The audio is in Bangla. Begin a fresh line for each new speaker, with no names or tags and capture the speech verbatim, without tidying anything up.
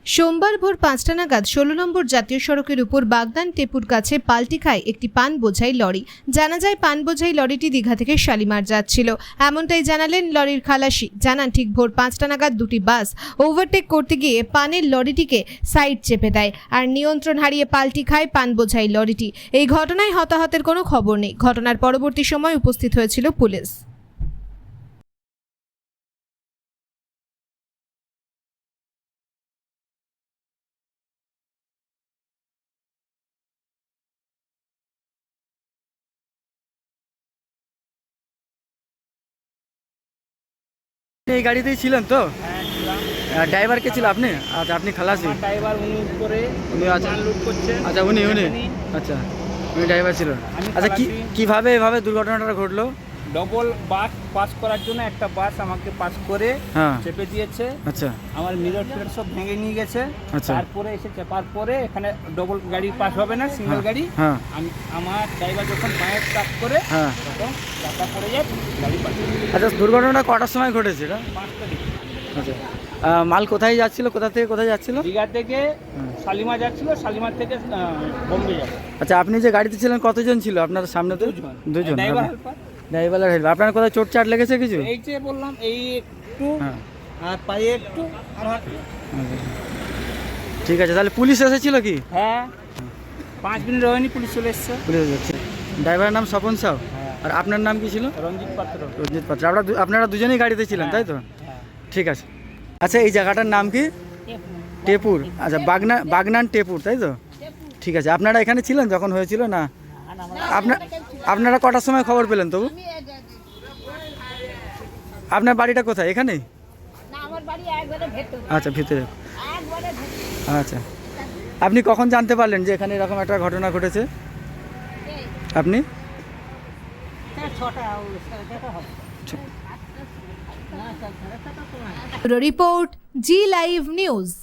সোমবার ভোর পাঁচটা নাগাদ ষোলো নম্বর জাতীয় সড়কের উপর বাগনান টেপুর কাছে পাল্টি খায় একটি পান বোঝাই লরি। জানা যায় পান বোঝাই লরিটি দীঘা থেকে শালিমার যাচ্ছিল, এমনটাই জানালেন লরির খালাসি। জানান ঠিক ভোর পাঁচটা নাগাদ দুটি বাস ওভারটেক করতে গিয়ে পানের লরিটিকে সাইড চেপে দেয় আর নিয়ন্ত্রণ হারিয়ে পাল্টি খায় পান বোঝাই লরিটি। এই ঘটনায় হতাহতের কোনো খবর নেই। ঘটনার পরবর্তী সময় উপস্থিত হয়েছিল পুলিশ।
এই গাড়িতেই ছিলেন তো?
হ্যাঁ ছিলাম।
ড্রাইভার কে ছিল আপনি? আচ্ছা, আপনি খালাসি?
আমার ড্রাইভার উনি করে
উনি আচ্ছা
মাল লোড করছেন।
আচ্ছা উনি উনি
উনি।
আচ্ছা উনি ড্রাইভার ছিলেন।
আমি
আচ্ছা কি
খালাসি।
কিভাবে এভাবে দুর্ঘটনাটা ঘটলো?
ডবল বাস পাস করার জন্য একটা বাস আমাকে পাস করে
হ্যাঁ
চেপে দিয়েছে।
আচ্ছা
আমার মিরর টিরর সব ভেঙে নিয়ে গেছে।
আচ্ছা।
তারপরে এসে চেপার পরে এখানে ডবল গাড়ি পাস হবে না, সিঙ্গেল
হ্যাঁ,
গাড়ি।
হ্যাঁ।
আমি আমার ড্রাইভার যখন পায়ে টাচ করে
হ্যাঁ
তখন চাকা পড়ে যায়, গাড়ি পাস।
আচ্ছা, দুর্ঘটনাটা কটার সময় ঘটেছে এটা?
পাঁচটা দিকে
আচ্ছা আহ, মাল কোথায় যাচ্ছিল, কোথা থেকে কোথায় যাচ্ছিল?
দীঘা থেকে শালিমার যাচ্ছিল, শালিমার থেকে আহ, বোম্বে যাবে।
আচ্ছা, আপনি যে গাড়িতে ছিলেন কতজন ছিল আপনার সামনে? তো
দুজন।
দুজন।
Driver helper.
Driver help. আপনার কোথায় চোট চাট লেগেছে কিছু?
এই যে বললাম এই একটু
হ্যাঁ
আর পায়ে একটু আর হাতে।
আচ্ছা। ঠিক আছে, তাহলে পুলিশ এসেছিল কি?
হ্যাঁ, পাঁচ মিনিট হয়নি পুলিশ চলে এসছে।
পুলিশ এসেছে। ড্রাইভারের নাম স্বপন সাউ।
হ্যাঁ।
আর আপনার নাম কি ছিল?
রঞ্জিত পাত্র।
রঞ্জিত পাত্র। আপনারা দু- আপনারা দুজনেই গাড়িতে ছিলেন তাই তো?
হ্যাঁ।
ঠিক আছে। আচ্ছা, এই জায়গাটার নাম কি? টেপুর। আচ্ছা, বাগনা বাগনান টেপুর তাই তো? ঠিক আছে। আপনারা এখানে ছিলেন যখন হয়েছিল না? আপনার আপনারা কটার সময় খবর পেলেন তবু? আপনার বাড়িটা কোথায়? এখানে?
না, আমার বাড়ি একবারে ভেতরে,
আচ্ছা, ভিতরে।
একবারে ভেতরে।
আচ্ছা, আপনি কখন জানতে পারলেন যে এখানে এরকম একটা ঘটনা ঘটেছে? আপনি
ছটা ছটা হবে।
Report Zee live news.